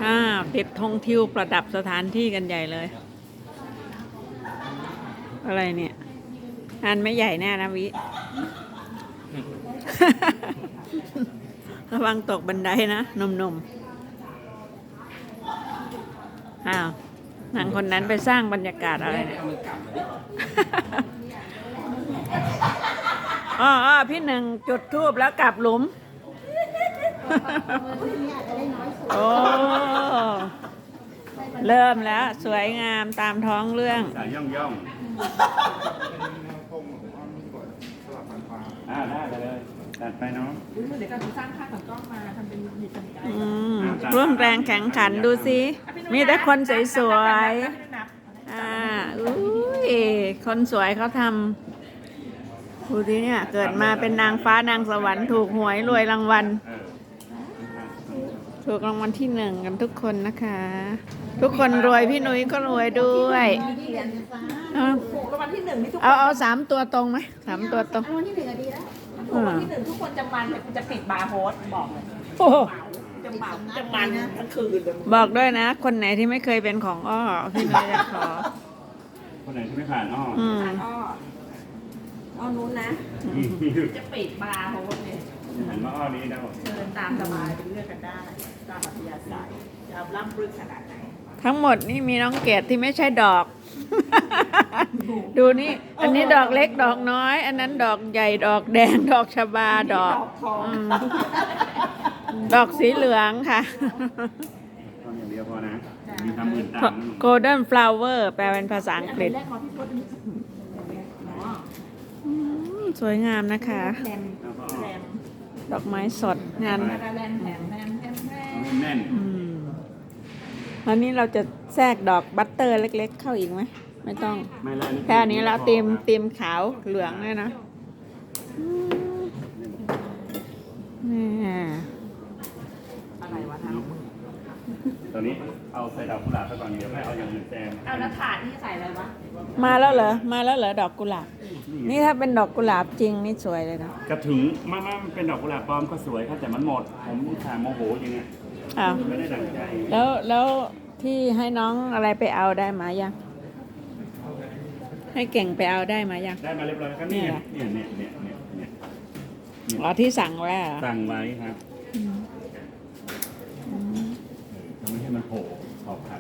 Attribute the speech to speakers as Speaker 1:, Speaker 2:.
Speaker 1: ติดธงทิวประดับสถานที่กันใหญ่เลย อะไรเนี่ยอันไม่ใหญ่แน่นะวิ ระวังตกบันไดนะหนุ่มๆอ้าวนางคนนั้นไปสร้างบรรยากาศอะไรเนี่ย อ๋อพี่หนึ่งจุดธูปแล้วกลับหลุม โอ้ เริ่มแล้วสวยงามตามท้องเรื่อง
Speaker 2: ย่องย่องได้ไปเลยตัดไปเนาะ
Speaker 3: เดี๋ยวการสร้างภาพของกล้องมาทำเป็นมีกำกับ
Speaker 1: ร่วมแรงแข่งขันดูสิมีแต่คนสวยๆอุ้ยคนสวยเขาทำดูสิเนี่ยเกิดมาเป็นนางฟ้านางสวรรค์ถูกหวยรวยรางวัล ถูกรางวัลที่ 1กันทุกคนนะคะ ทุกคนรวยพี่นุ้ยก็รวยด้วย
Speaker 3: ถูกรางวัลที่1นี่ทุกคน
Speaker 1: เอา3 ตัวตรงไหม3 ตัวตรง
Speaker 3: ถูกรางวัลที่1ทุกคนจะมันจะปิดบาร์โฮสบอกเลย
Speaker 1: โอ้โห
Speaker 3: จะมันทั้งคืนเลย
Speaker 1: บอกด้วยนะ คนไหนที่ไม่เคยเป็นของอ้อพี่นุ้ยจะขอ
Speaker 2: คนไหนที่ไม่ผ่านอ้อ
Speaker 3: อ้อนู้นนะจะปิดบาร์โฮสเนี่ย
Speaker 2: หันมาอ้อนี้ได้หมด
Speaker 3: เชิญตามสบายเป็นเลือกกันได้ตามอัธยาศัยจะร่ำรึกขนาดไหน
Speaker 1: ทั้งหมดนี่มีน้องเกดที่ไม่ใช่ดอก ดูนี่ อันนี้ดอกเล็กดอกน้อย อันนั้นดอกใหญ่ดอกแดงดอกชบาดอก
Speaker 3: ทอง
Speaker 1: ดอกสีเหลืองค่ะ
Speaker 2: ต้นอย่างเดียวพอนะมีทำอื่นตาม
Speaker 1: Golden Flower แปลเป็นภาษาอังกฤษ
Speaker 3: แรกขอพี่พจน์
Speaker 1: สวยงามนะคะ
Speaker 3: แรมแรม
Speaker 1: ดอกไม้สดงาน
Speaker 3: แรมแรมแรมแรมแรม
Speaker 2: แน่น
Speaker 1: วันนี้เราจะแทรกดอกบัตเตอร์เล็กๆ เข้าอีกไหมไม่ต้อง
Speaker 2: ไม่แล้ว
Speaker 1: แค่นี้แล้วเต็มขาวเหลืองเลยนะนี่
Speaker 3: อะไรวะทำ
Speaker 2: ตอนนี้เอาใส่ดอกกุหลาบไปก่อนเดี๋ยวให้เอาอย่างอื่นแซม
Speaker 3: เอาแล้วถาดนี่ใส่อะไรวะ
Speaker 1: มาแล้วเหรอดอกกุหลาบนี่ถ้าเป็นดอกกุหลาบจริงนี่สวยเลยนะ
Speaker 2: กระถึงมันเป็นดอกกุหลาบปลอมก็สวยครับแต่มันหมดผมถามโมโหอย่างเงี้ย
Speaker 1: อ้าว
Speaker 2: ไม่ได้ดั่งใจ
Speaker 1: แล้วที่ให้น้องอะไรไปเอาได้มายัง ให้เก่งไปเอาได้มายัง
Speaker 2: ได้มาเรียบร้อยครับเนี่ย
Speaker 1: อ๋อที่สั่งไว้เหรอ
Speaker 2: สั่งไว้ครับทำให้มันโผล่ขอบขัน